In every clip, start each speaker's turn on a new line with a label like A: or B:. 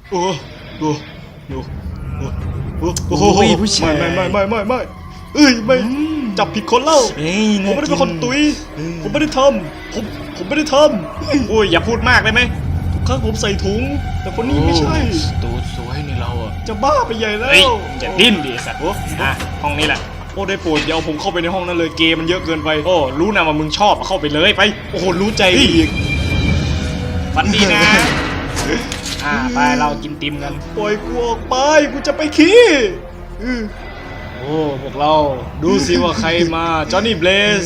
A: โอ้โอ้โอ้โอ้โห
B: ผู้ชาย
A: ไม่เอ้ยไม่จับผิดคนเล่าผมไม่ได้เป็นคนตุยผมไม่ได้ทำผมไม่ได้ทำโอ้ยอย่าพูดมากได้ไหมทุกครั้งผมใส่ถุงแต่คนนี้ไม่ใช่
B: ตูดสวยนี่เราอ่ะ
A: จะบ้าไปใหญ่แล้ว
B: เฮ้ยอย่าดิ้นดิสัตว์ห้องนี้แหละ
A: โอ้ได้โปรดอย่าเอาผมเข้าไปในห้องนั้นเลยเกมมันเยอะเกินไป
B: โอ้รู้นะว่ามึงชอบเข้าไปเลยไป
A: โอ้โหรู้ใจอีก
B: ฝันดีนะไปเรากินติมกัน
A: ปล่อยกูออกไปกูจะไปขี้โอ้พวกเราดูสิว่าใครมาจอห์นนี่เบลส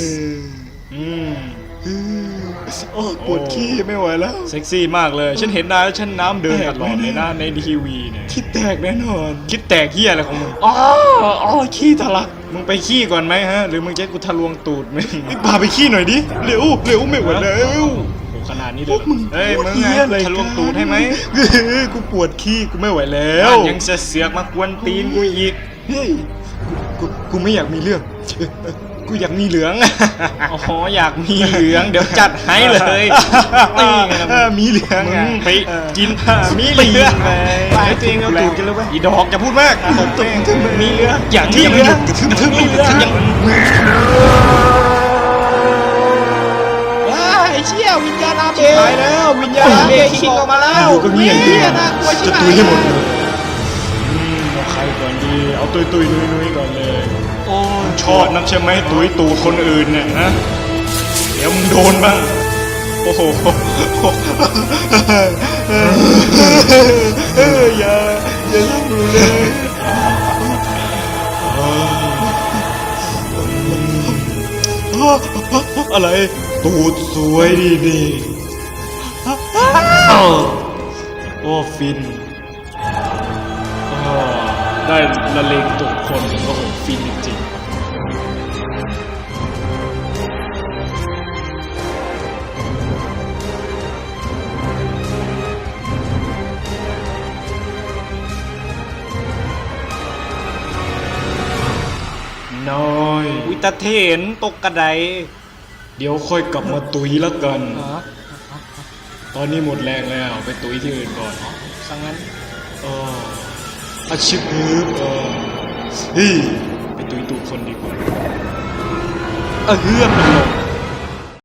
A: โอ้ปวดขี้ไม่ไหวแล้วเซ็กซี่มากเลยฉันเห็นนายแล้วฉันน้ำเดินตลอดเลยนะในทีวีเนี่ยคิดแตกแน่นอนคิดแตกเหี้ยอะไรของมึงอ๋อขี้ทะลักมึงไปขี้ก่อนไหมฮะหรือมึงจะกูทะลวงตูดมึงพาไปขี้หน่อยดิเร็วไม่ไหวแล้วขนาดนี้เลยเฮ้ยมึงไงทะลวงตูดให้ไหมกูปวดขี้กูไม่ไหวแล้วยังจะเสือกมากวนตีนกูอีกเฮ้ยกูไม่อยากมีเรื่องกูอยากมีเหลือง
B: อ๋ออยากมีเหลืองเดี๋ยวจัดให้เลย
A: มีเหลือง
B: มึงไปกินมีเหลือง
A: ไปตัวเองเอาตูดกันแล้วไป
B: อีดอกจะพูดมาก
A: ผมตัว
B: มีเหลืองอย่างที่
A: ยัง
B: เหลือง
A: ทึ่มยัง
B: ไอ้เชี่ยวิญญาณอาเบะ
A: ตายแล้ววิญญาณอาเบะคิงออกมาแล้ว
B: ก็เงียบดีจะ
A: ตุยให้หมดเลยเอาใครก่อนดีเอาตุยนุ้ยก่อนเลย
B: โอ้
A: ชอบนักใช่ไหมตุยตูดคนอื่นเนี่ยนะเดี๋ยวมึงโดนบ้างโอ้โหอย่าทำเลยอะไรตูดสวยดีโอ้ฟินได้ละเลงตูดคนก็โหฟินจริงน้อย
B: วิตาเทนตกกระได
A: เดี๋ยวค่อยกลับมาตุยแล้วกันตอนนี้หมดแรงแล้วไปตุยที่อื่นก่อน
B: สังงั้น
A: อาชีพเฮ้ยไปตุยตูดคนดีกว่าเฮือกมันลง